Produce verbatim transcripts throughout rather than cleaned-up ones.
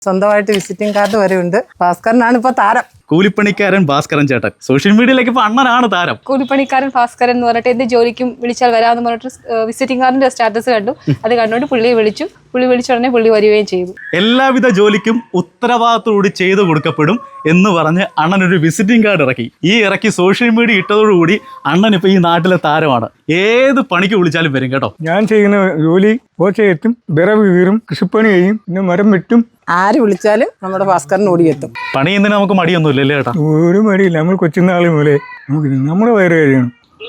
സ്വന്തമായിട്ട് visiting card വരെ ഉണ്ട്. ഭാസ്കരനാണ് ഇപ്പൊ താരം. കൂലിപ്പണിക്കാരൻ ഭാസ്കരൻ ചേട്ടൻ സോഷ്യൽ മീഡിയയിലേക്ക് ഇപ്പൊ അണ്ണനാണ് താരം. കൂലിപ്പണിക്കാരൻ ഭാസ്കരൻ എന്ന് പറഞ്ഞിട്ട് എന്ത് ജോലിക്കും വിളിച്ചാൽ വരാമെന്ന് പറഞ്ഞിട്ട് വിസിറ്റിംഗ് കാർഡിന്റെ സ്റ്റാറ്റസ് കണ്ടു. അത് കണ്ടുകൊണ്ട് പുള്ളിയെ വിളിച്ചു. പുള്ളി വിളിച്ച ഉടനെ പുള്ളി വരികയും ചെയ്തു. എല്ലാവിധ ജോലിക്കും ഉത്തരവാദിത്തോടുകൂടി ചെയ്തു കൊടുക്കപ്പെടും എന്ന് പറഞ്ഞ് അണ്ണൻ ഒരു വിസിറ്റിംഗ് കാർഡ് ഇറക്കി. ഈ ഇറക്കി സോഷ്യൽ മീഡിയ ഇട്ടതോടുകൂടി അണ്ണൻ ഇപ്പൊ ഈ നാട്ടിലെ താരമാണ്. ഏത് പണിക്ക് വിളിച്ചാലും വരും കേട്ടോ. ഞാൻ ചെയ്യുന്ന ജോലി പോച്ചയെത്തും, വിറവ് കീറും, കൃഷിപ്പണി ചെയ്യും, പിന്നെ മരം വെട്ടും. ആര് വിളിച്ചാലും നമ്മുടെ ഭാസ്കരൻ ഓടിയെത്തും. പണി ചെയ്യുന്നതിന് നമുക്ക് മടിയൊന്നുമില്ലല്ലേ ചേട്ടാ? ഒരു മടിയില്ല. നമ്മൾ കൊച്ചുനാളി മുതലേ നമുക്ക് നമ്മുടെ വയറ് കഴിയണം.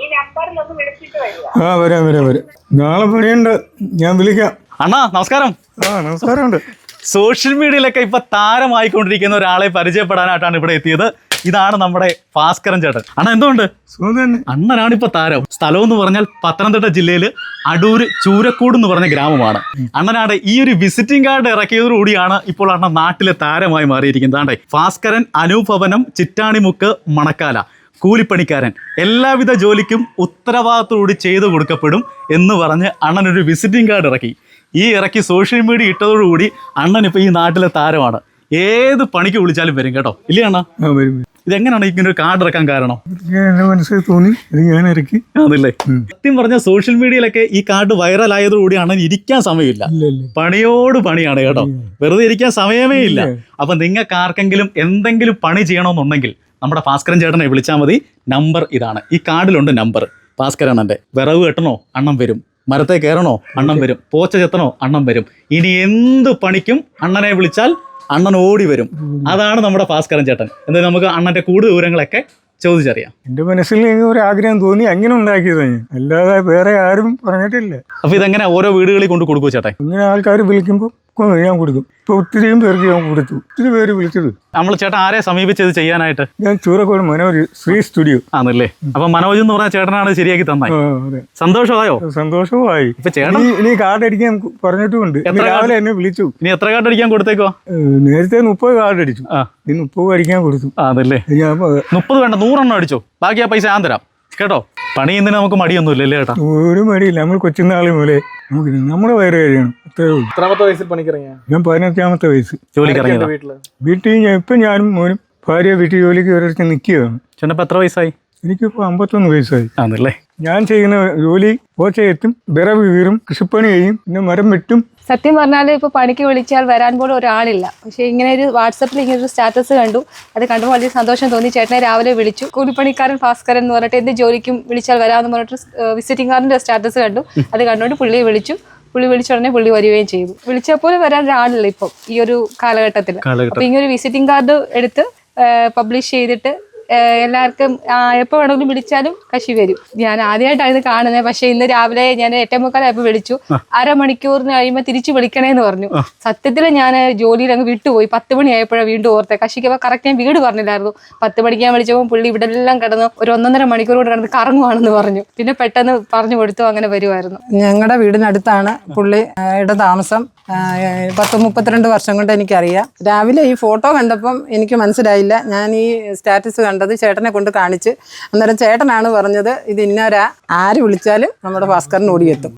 ആ വരാം വരാം വരാം. നാളെ പണിയുണ്ട്, ഞാൻ വിളിക്കാം. അണ്ണാ നമസ്കാരം. ആ നമസ്കാരമുണ്ട്. സോഷ്യൽ മീഡിയയിലൊക്കെ ഇപ്പൊ താരമായിക്കൊണ്ടിരിക്കുന്ന ഒരാളെ പരിചയപ്പെടാനായിട്ടാണ് ഇവിടെ എത്തിയത്. ഇതാണ് നമ്മുടെ ഭാസ്കരൻ ചേട്ടൻ. അണ്ണ എന്തുകൊണ്ട്? അണ്ണനാണ് ഇപ്പൊ താരം. സ്ഥലം എന്ന് പറഞ്ഞാൽ പത്തനംതിട്ട ജില്ലയിൽ അടൂര് ചൂരക്കൂട് എന്ന് പറഞ്ഞ ഗ്രാമമാണ്. അണ്ണനാണ് ഈ ഒരു വിസിറ്റിംഗ് കാർഡ് ഇറക്കിയതോടുകൂടിയാണ് ഇപ്പോൾ അണ്ണൻ നാട്ടിലെ താരമായി മാറിയിരിക്കുന്നത്. ഭാസ്കരൻ അനുഭവനം ചിറ്റാണിമുക്ക് മണക്കാല കൂലിപ്പണിക്കാരൻ എല്ലാവിധ ജോലിക്കും ഉത്തരവാദിത്തോടുകൂടി ചെയ്തു കൊടുക്കപ്പെടും എന്ന് പറഞ്ഞ് അണ്ണൻ ഒരു വിസിറ്റിംഗ് കാർഡ് ഇറക്കി. ഈ ഇറക്കി സോഷ്യൽ മീഡിയ ഇട്ടതോടുകൂടി അണ്ണൻ ഇപ്പൊ ഈ നാട്ടിലെ താരമാണ്. ഏത് പണിക്ക് വിളിച്ചാലും വരും കേട്ടോ. ഇല്ലേ അണ്ണാ? ഇതെങ്ങനെയാണ് ഇങ്ങനെ ഒരു കാർഡ് ഇറക്കാൻ കാരണം? മനസ്സിൽ തോന്നി, ഞാൻ ഇറക്കി. അതല്ലേ? സത്യം പറഞ്ഞ സോഷ്യൽ മീഡിയയിലൊക്കെ ഈ കാർഡ് വൈറൽ ആയതോടുകൂടി അണ്ണൻ ഇരിക്കാൻ സമയമില്ല. പണിയോട് പണിയാണ് കേട്ടോ. വെറുതെ ഇരിക്കാൻ സമയമേ ഇല്ല. അപ്പൊ നിങ്ങൾക്ക് ആർക്കെങ്കിലും എന്തെങ്കിലും പണി ചെയ്യണമെന്നുണ്ടെങ്കിൽ നമ്മുടെ ഭാസ്കരൻ ചേട്ടനെ വിളിച്ചാൽ മതി. നമ്പർ ഇതാണ്. ഈ കാർഡിലുണ്ട് നമ്പർ. ഭാസ്കരൻ അണ്ണൻ്റെ വിറവ് കെട്ടണോ അണ്ണൻ വരും, മരത്തെ കയറണോ അണ്ണൻ വരും, പോച്ച ചെത്തണോ അണ്ണൻ വരും. ഇനി എന്ത് പണിക്കും അണ്ണനെ വിളിച്ചാൽ അണ്ണൻ ഓടി വരും. അതാണ് നമ്മുടെ ഭാസ്കരൻ ചേട്ടൻ. എന്തായാലും നമുക്ക് അണ്ണന്റെ കൂടുതൽ വിവരങ്ങളൊക്കെ ചോദിച്ചറിയാം. എന്റെ മനസ്സിൽ ഒരു ആഗ്രഹം തോന്നി, അങ്ങനെ ഉണ്ടാക്കിയത്. അല്ലാതെ വേറെ ആരും പറഞ്ഞിട്ടില്ല. അപ്പൊ ഇതെങ്ങനെ ഓരോ വീടുകളിൽ കൊണ്ട് കൊടുക്കും ചേട്ടൻ? ഇങ്ങനെ ആൾക്കാർ വിളിക്കുമ്പോൾ ഞാൻ കൊടുക്കും. ഇപ്പൊ ഒത്തിരിയും പേർക്ക് ഞാൻ കൊടുത്തു. ഒത്തിരി പേര് വിളിച്ചത്. നമ്മൾ ചേട്ടൻ ആരെ സമീപിച്ചത് ചെയ്യാനായിട്ട്? ഞാൻ ചൂരക്കോട് മനോജ് ശ്രീ സ്റ്റുഡിയോ ആണല്ലേ. അപ്പൊ മനോജ് എന്ന് പറഞ്ഞ ചേട്ടനാണ് ശരിയാക്കി തന്നത്. സന്തോഷമായോ? സന്തോഷമായി. ഇപ്പൊ ചേട്ടൻ ഇനി കാർഡ് അടിക്കാൻ പറഞ്ഞിട്ടുമുണ്ട്. രാവിലെ എന്നെ വിളിച്ചു. ഇനി എത്ര കാർഡ് അടിക്കാൻ കൊടുത്തേക്കോ? നേരത്തെ മുപ്പത് കാർഡ് അടിച്ചു. ഇനി മുപ്പത് അടിക്കാൻ കൊടുത്തു. അതല്ലേ? മുപ്പത് വേണ്ട, നൂറെണ്ണം അടിച്ചോ. ബാക്കി ആ പൈസ ഞാൻ തരാം കേട്ടോ. പണി ചെയ്യുന്നതിന് നമുക്ക് മടിയൊന്നുമില്ലല്ലേ ചേട്ടാ? ഒരു മടിയില്ല. നമ്മൾ കൊച്ചുനാളി മുതലേ നമുക്ക് നമ്മുടെ വയറ് കഴിയണം. എത്രാമത്തെ വയസ്സിൽ പണിക്കിറങ്ങിയ? ഞാൻ പതിനഞ്ചാമത്തെ വയസ്സ് ജോലിക്ക് വീട്ടിൽ. ഞാൻ ഇപ്പം ഞാനും മോനും ഭാര്യ വീട്ടിൽ ജോലിക്ക് ഒരിടത്ത് നിൽക്കുകയാണ്. ചേട്ടനിപ്പോ എത്ര വയസ്സായി? എനിക്കിപ്പോൾ അമ്പത്തൊന്ന് വയസ്സായി. ആണല്ലേ? ഞാൻ ചെയ്യുന്ന ജോലി പോച്ചയെത്തും, വിറവ് കീറും, കൃഷിപ്പണി ചെയ്യും, പിന്നെ മരം വെട്ടും. സത്യം പറഞ്ഞാൽ ഇപ്പോൾ പണിക്ക് വിളിച്ചാൽ വരാൻ പോലും ഒരാളില്ല. പക്ഷേ ഇങ്ങനെ ഒരു വാട്സപ്പിൽ ഇങ്ങനെ ഒരു സ്റ്റാറ്റസ് കണ്ടു. അത് കണ്ടുമ്പോൾ വലിയ സന്തോഷം തോന്നി. ചേട്ടനെ രാവിലെ വിളിച്ചു. കൂലിപ്പണിക്കാരൻ ഭാസ്കരൻ എന്ന് പറഞ്ഞിട്ട് എന്ത് ജോലിക്കും വിളിച്ചാൽ വരാമെന്ന് പറഞ്ഞിട്ട് വിസിറ്റിംഗ് കാർഡിന്റെ സ്റ്റാറ്റസ് കണ്ടു. അത് കണ്ടുകൊണ്ട് പുള്ളിയെ വിളിച്ചു. പുള്ളി വിളിച്ച ഉടനെ പുള്ളി വരികയും ചെയ്തു. വിളിച്ചപ്പോൾ വരാൻ ഒരാളില്ല ഇപ്പം ഈ ഒരു കാലഘട്ടത്തിൽ. അപ്പൊ ഇങ്ങനെ ഒരു വിസിറ്റിംഗ് കാർഡ് എടുത്ത് പബ്ലിഷ് ചെയ്തിട്ട് എല്ലാവർക്കും എപ്പോൾ വേണമെങ്കിലും വിളിച്ചാലും കശി വരും. ഞാൻ ആദ്യമായിട്ടാണ് ഇത് കാണുന്നത്. പക്ഷെ ഇന്ന് രാവിലെ ഞാൻ എട്ടേ മുക്കാലായപ്പോൾ വിളിച്ചു. അരമണിക്കൂറിന് കഴിയുമ്പോൾ തിരിച്ചു വിളിക്കണേന്ന് പറഞ്ഞു. സത്യത്തിൽ ഞാൻ ജോലിയിൽ അങ്ങ് വിട്ടുപോയി. പത്ത് മണി ആയപ്പോഴാണ് വീണ്ടും ഓർത്തെ. കശിക്കപ്പോൾ കറക്റ്റ് ഞാൻ വീട് പറഞ്ഞില്ലായിരുന്നു. പത്ത് മണിക്ക് ഞാൻ വിളിച്ചപ്പോൾ പുള്ളി ഇവിടെ എല്ലാം കിടന്നു ഒരു ഒന്നൊന്നര മണിക്കൂർ കൂടെ കിടന്ന് കറങ്ങുവാണെന്ന് പറഞ്ഞു. പിന്നെ പെട്ടെന്ന് പറഞ്ഞു കൊടുത്തു. അങ്ങനെ വരുമായിരുന്നു. ഞങ്ങളുടെ വീടിനടുത്താണ് പുള്ളിയുടെ താമസം. പത്ത് മുപ്പത്തിരണ്ട് വർഷം കൊണ്ട് എനിക്കറിയാം. രാവിലെ ഈ ഫോട്ടോ കണ്ടപ്പം എനിക്ക് മനസ്സിലായില്ല. ഞാൻ ഈ സ്റ്റാറ്റസ് കണ്ടത് ചേട്ടനെ കൊണ്ട് കാണിച്ച്. അന്നേരം ചേട്ടനാണ് പറഞ്ഞത് ഇത് ഇന്നൊരാ ആര് വിളിച്ചാലും നമ്മുടെ ഭാസ്കരൻ ഓടിയെത്തും.